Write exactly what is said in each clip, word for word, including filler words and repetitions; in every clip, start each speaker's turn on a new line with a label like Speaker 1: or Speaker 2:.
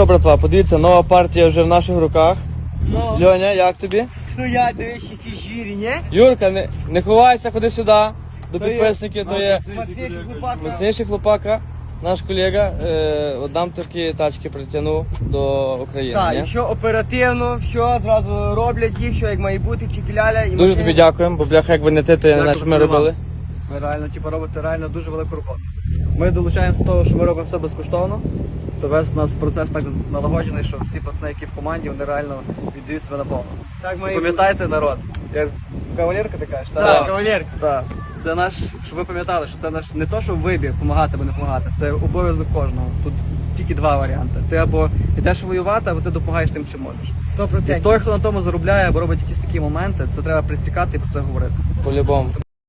Speaker 1: що, братва, подивіться, нова партія вже в наших руках.
Speaker 2: Ну,
Speaker 1: Льоня, як тобі?
Speaker 2: стоять, дивись, які жирі, ні?
Speaker 1: Юрка, не, не ховайся, ходи сюди. До
Speaker 2: То є-
Speaker 1: підписників, то є
Speaker 2: Мастейший хлопака.
Speaker 1: міцніший хлопака. Наш колега е, от нам такі тачки притягнув до України.
Speaker 2: Так,
Speaker 1: ні?
Speaker 2: і що оперативно, що зразу роблять їх, що як має бути, чекіляля і
Speaker 1: Дуже
Speaker 2: машини.
Speaker 1: тобі дякуємо, бо бляха, як ви не ти, то я не знаю, що ми
Speaker 3: Дякую,
Speaker 1: робили.
Speaker 3: Ви реально типу, робите реально дуже велику роботу. Ми долучаємося з того, що ми робимо все безкоштовно. То весь у нас процес так налагоджений, що всі пацани, які в команді, вони реально віддають себе наповну.
Speaker 2: Так має бути.
Speaker 3: Пам'ятайте, народ, як кавалерка ти кажеш,
Speaker 2: Так,
Speaker 1: Так.
Speaker 2: кавалерка.
Speaker 3: Так. Це наш, щоб ви пам'ятали, що це наш не то, що вибір, допомагати або не допомагати, це обов'язок кожного. Тут тільки два варіанти. Ти або йдеш воювати, або ти допомагаєш тим, чим можеш.
Speaker 2: Сто
Speaker 3: І
Speaker 2: процентів.
Speaker 3: той, хто на тому заробляє або робить якісь такі моменти, це треба присікати і про це говорити.
Speaker 1: По-любому.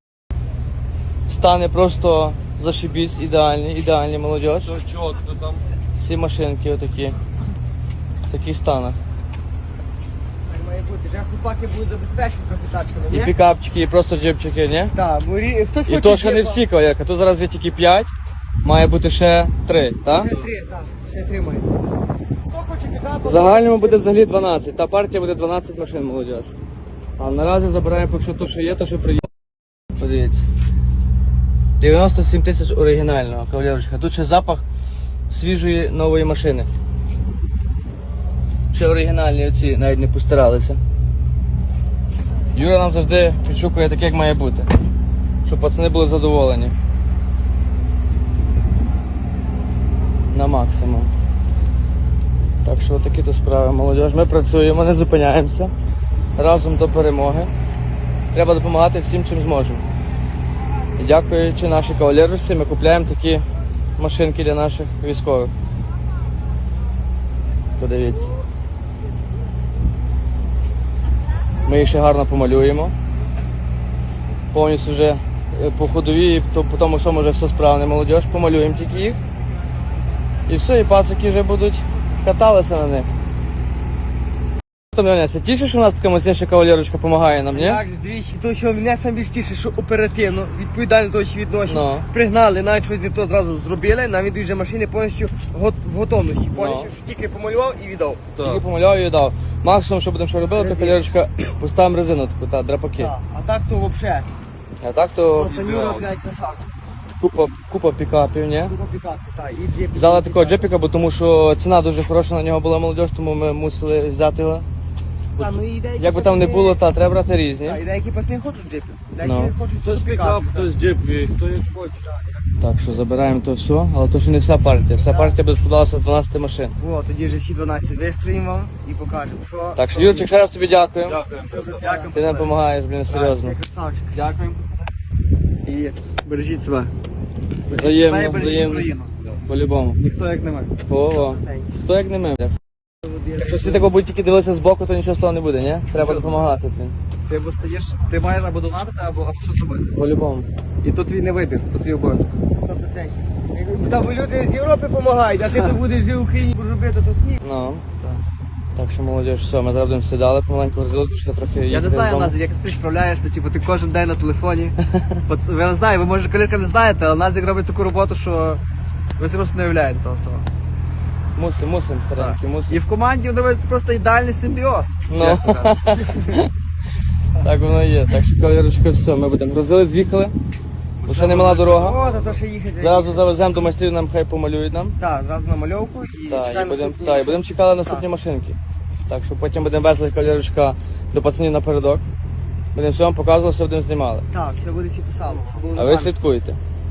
Speaker 1: Стани просто зашибісь, ідеальні, ідеальні молодіж.
Speaker 4: Чого хто там?
Speaker 1: Всі машинки отакі. В таких станах.
Speaker 2: Так має бути. Вже хлопаки будуть забезпечені трохи тачками,
Speaker 1: І
Speaker 2: ні?
Speaker 1: пікапчики, і просто джипчики, ні?
Speaker 2: Так, бо рі- хтось
Speaker 1: І
Speaker 2: хоче
Speaker 1: то ще не
Speaker 2: джипа.
Speaker 1: всі, кавалерка. Тут зараз є тільки п'ять, має бути ще три, так?
Speaker 2: Ще три, так, ще три має. Хто хоче пікапа?
Speaker 1: В загальному буде взагалі дванадцять. Та партія буде дванадцять машин, молодіж. А наразі забираємо, поки що то, що є, то що приїде. Подивіться. дев'яносто сім тисяч оригінального, кавалерочка. Тут ще запах свіжої нової машини. Ще оригінальні оці навіть не постаралися. Юра нам завжди підшукує таке, як має бути. Щоб пацани були задоволені. На максимум. Так що такі то справи, молодіж. Ми працюємо, не зупиняємося. Разом до перемоги. Треба допомагати всім, чим зможемо. І дякуючи нашій кавалерусі, ми купляємо такі машинки для наших військових. Подивіться. Ми їх ще гарно помалюємо. Повністю вже е, по ходовій, то по тому всьому вже все справне, молодіж. Помалюємо тільки їх. І все, і пацики вже будуть каталися на них. Там, Леоня, це тіше, що у нас така мощніша кавалерочка допомагає нам, ні?
Speaker 2: Як же, дивіться, то, що мене саме більш тіше, що оперативно, відповідально до того, відношення,
Speaker 1: Ну.
Speaker 2: пригнали, навіть щось не то зразу зробили, навіть вже машини повністю гот- в готовності, повністю, що тільки помалював і віддав.
Speaker 1: Тільки помаляв і дав. Максимум, що будемо що робити, то
Speaker 2: Резину.
Speaker 1: кавалерочка поставимо резину таку, та драпаки.
Speaker 2: Так. А так то взагалі,
Speaker 1: А так то
Speaker 2: пацанюра, блядь, красавчик.
Speaker 1: купа, купа пікапів, ні?
Speaker 2: Купа пікапу, так, і джип.
Speaker 1: Взяли такого джепіка, бо тому що ціна дуже хороша на нього була молодіж, тому ми мусили взяти його.
Speaker 2: Та, ну, і деякі
Speaker 1: Як би там не
Speaker 2: пацани-
Speaker 1: було, та треба брати різні.
Speaker 2: Так, і деякі пацани хочуть джипи, деякі
Speaker 1: Ну.
Speaker 2: хочуть
Speaker 4: Хтось
Speaker 2: пікап,
Speaker 4: пікап,
Speaker 2: так.
Speaker 4: хтось джип, і хто як хоче.
Speaker 1: Так що забираємо то все, але то ще не вся партія. Вся партія буде складалася з дванадцяти машин.
Speaker 2: О, тоді вже всі дванадцять вистроїмо вам і покажемо, що...
Speaker 1: Так що, Юрчик, ще раз тобі дякую.
Speaker 4: Дякую.
Speaker 2: Дякую,
Speaker 1: Ти нам допомагаєш, блін, серйозно.
Speaker 2: Ти красавчик.
Speaker 3: Дякуємо, пацани. І бережіть себе. Бережіть себе і
Speaker 1: Взаємно,
Speaker 3: бережіть
Speaker 1: взаємно.
Speaker 3: Україну.
Speaker 1: По-любому.
Speaker 3: Ніхто як не ми.
Speaker 1: Ого. Хто як не ми, бля. Якщо всі такого будуть тільки дивитися збоку, то нічого з того не буде, ні? Треба допомагати, блін.
Speaker 3: Ти або стаєш, ти маєш або донатити, або, або щось робити.
Speaker 1: По-любому.
Speaker 3: І тут твій не вибір, тут твій обов'язок.
Speaker 2: Сто процентів. Там люди з Європи допомагають, а ти тут будеш жити в Україні, будеш робити, то сміх.
Speaker 1: Ну. Так що, молодіж, все, ми зараз будемо сідали помаленьку розділити, що трохи
Speaker 3: Я
Speaker 1: їхати
Speaker 3: не знаю,
Speaker 1: додому.
Speaker 3: Назик, як ти справляєшся, типу, ти кожен день на телефоні. От, ви не знаю, ви може колірка не знаєте, але Назик робить таку роботу, що ви просто не уявляєте того всього.
Speaker 1: Мусим, мусим, старенький, мусим.
Speaker 3: І в команді він робить просто ідеальний симбіоз.
Speaker 1: Ну.
Speaker 3: чесно кажучи.
Speaker 1: Так воно є. Так що, кавалерочка, все, ми будемо грузили, з'їхали. Бо ще немала дорога.
Speaker 2: О, то, то ще їхати.
Speaker 1: Зразу завеземо до майстрів, нам хай помалюють нам.
Speaker 2: Так, зразу на мальовку і
Speaker 1: Так, і
Speaker 2: чекаємо
Speaker 1: будемо
Speaker 2: наступні.
Speaker 1: та, і будемо чекати наступні машинки. Так що потім будемо везли кавалерочка до пацанів напередок. Будемо все вам показувати, все будемо знімали.
Speaker 2: Так, все буде всі писало. щоб було
Speaker 1: А ви
Speaker 2: нормально.
Speaker 1: слідкуйте.